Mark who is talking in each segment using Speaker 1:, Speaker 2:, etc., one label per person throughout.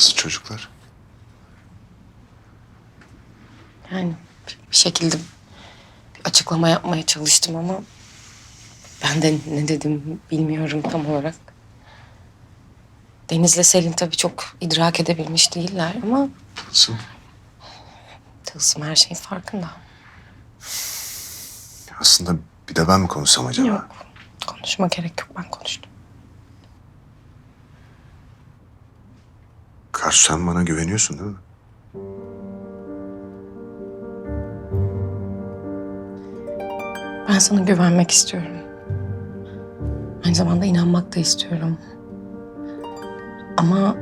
Speaker 1: Nasıl çocuklar?
Speaker 2: Yani bir şekilde bir açıklama yapmaya çalıştım ama ben de ne dedim bilmiyorum tam olarak. Deniz'le Selin tabii çok idrak edebilmiş değiller ama
Speaker 1: Nasıl?
Speaker 2: Tılsım her şeyin farkında.
Speaker 1: Aslında bir de ben mi konuşsam acaba?
Speaker 2: Yok, konuşma gerek yok, ben konuştum.
Speaker 1: Karsu, sen bana güveniyorsun değil mi?
Speaker 2: Ben sana güvenmek istiyorum. Aynı zamanda inanmak da istiyorum. Ama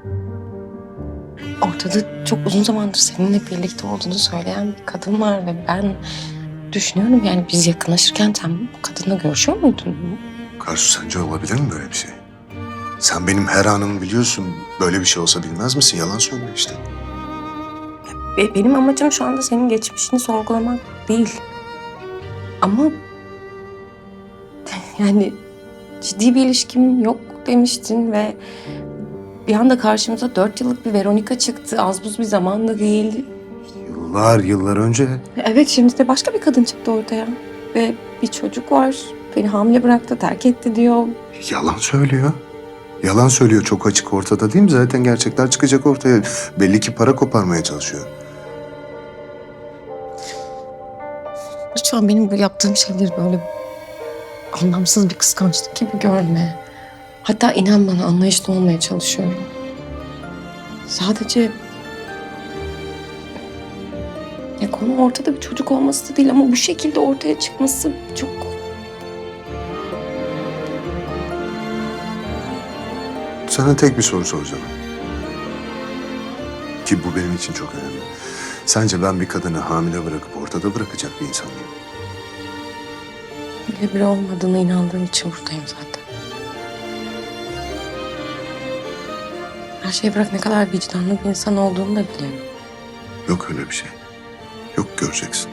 Speaker 2: ortada çok uzun zamandır seninle birlikte olduğunu söyleyen bir kadın var ve ben düşünüyorum, yani biz yakınlaşırken sen bu kadınla görüşüyor muydun?
Speaker 1: Karsu, sence olabilir mi böyle bir şey? Sen benim her anımı biliyorsun. Böyle bir şey olsa bilmez misin? Yalan söyle işte.
Speaker 2: Benim amacım şu anda senin geçmişini sorgulamak değil. Ama yani ciddi bir ilişkim yok demiştin ve bir anda karşımıza 4 yıllık bir Veronika çıktı. Az buz bir zaman da değil.
Speaker 1: Yıllar önce.
Speaker 2: Evet, şimdi de başka bir kadın çıktı ortaya. Ve bir çocuk var. Beni hamile bıraktı, terk etti diyor.
Speaker 1: Yalan söylüyor. Yalan söylüyor, çok açık ortada değil mi? Zaten gerçekler çıkacak ortaya. Belli ki para koparmaya çalışıyor.
Speaker 2: Lütfen benim bu yaptığım şeyleri böyle anlamsız bir kıskançlık gibi görme. Hatta inan bana, anlayışlı olmaya çalışıyorum. Sadece ya konu ortada bir çocuk olması da değil ama bu şekilde ortaya çıkması çok...
Speaker 1: Sana tek bir soru soracağım. Ki bu benim için çok önemli. Sence ben bir kadını hamile bırakıp ortada bırakacak bir insan mıyım?
Speaker 2: Öyle biri olmadığına inandığım için buradayım zaten. Her şeyi bırak, ne kadar vicdanlı bir insan olduğunu da biliyorum.
Speaker 1: Yok öyle bir şey. Yok, göreceksin.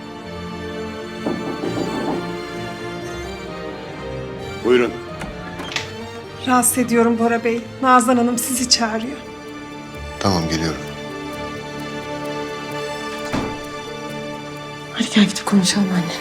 Speaker 1: Buyurun.
Speaker 3: Rahatsız ediyorum Bora Bey. Nazan Hanım sizi çağırıyor.
Speaker 1: Tamam, geliyorum.
Speaker 2: Hadi gel gidip konuşalım annenle.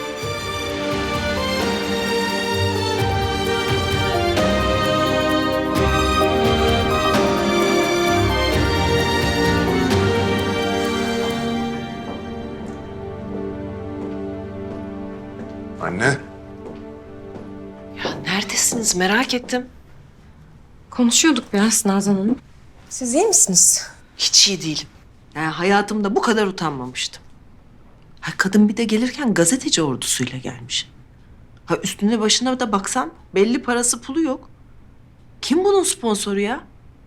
Speaker 1: Anne.
Speaker 4: Ya neredesiniz? Merak ettim.
Speaker 2: Konuşuyorduk biraz Nazan Hanım. Siz iyi misiniz?
Speaker 4: Hiç iyi değilim. Yani hayatımda bu kadar utanmamıştım. Ha, kadın bir de gelirken gazeteci ordusuyla gelmiş. Ha, üstüne başına da baksan belli parası pulu yok. Kim bunun sponsoru ya?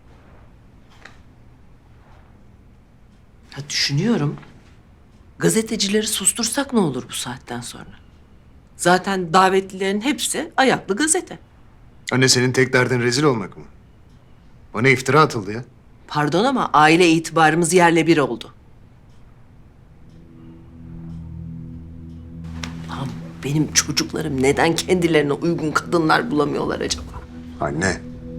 Speaker 4: Ha, düşünüyorum. Gazetecileri sustursak ne olur bu saatten sonra? Zaten davetlilerin hepsi ayaklı gazete.
Speaker 1: Anne, senin tek derdin rezil olmak mı? Bana iftira atıldı ya.
Speaker 4: Pardon ama aile itibarımız yerle bir oldu. Lan benim çocuklarım neden kendilerine uygun kadınlar bulamıyorlar acaba?
Speaker 1: Anne.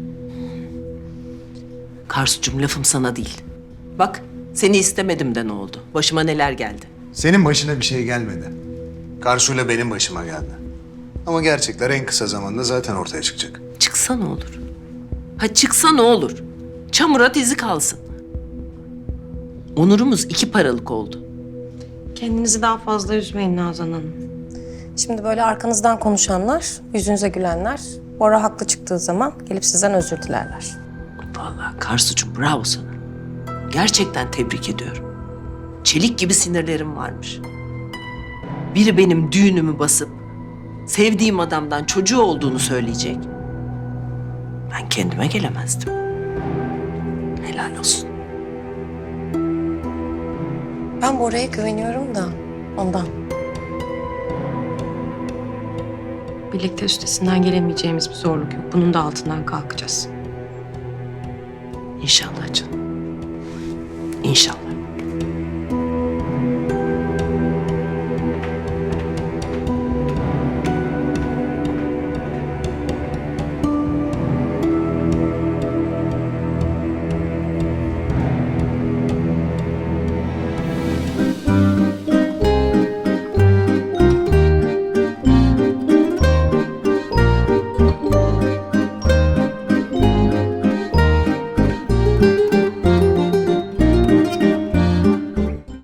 Speaker 4: Karsucuğum, lafım sana değil. Bak, seni istemedim de ne oldu? Başıma neler geldi?
Speaker 1: Senin başına bir şey gelmedi. Karsu'yla benim başıma geldi. Ama gerçekler en kısa zamanda zaten ortaya çıkacak.
Speaker 4: Çıksa ne olur? Ha, çıksa ne olur? Çamura dizi kalsın. Onurumuz 2 paralık oldu.
Speaker 2: Kendinizi daha fazla üzmeyin Nazan Hanım. Şimdi böyle arkanızdan konuşanlar, yüzünüze gülenler, Bora haklı çıktığı zaman gelip sizden özür dilerler.
Speaker 4: Vallahi Karsucuğum, bravo sana. Gerçekten tebrik ediyorum. Çelik gibi sinirlerim varmış. Biri benim düğünümü basıp sevdiğim adamdan çocuğu olduğunu söyleyecek. Ben kendime gelemezdim. Helal olsun.
Speaker 2: Ben Bora'ya güveniyorum da ondan. Birlikte üstesinden gelemeyeceğimiz bir zorluk yok. Bunun da altından kalkacağız.
Speaker 4: İnşallah canım. İnşallah.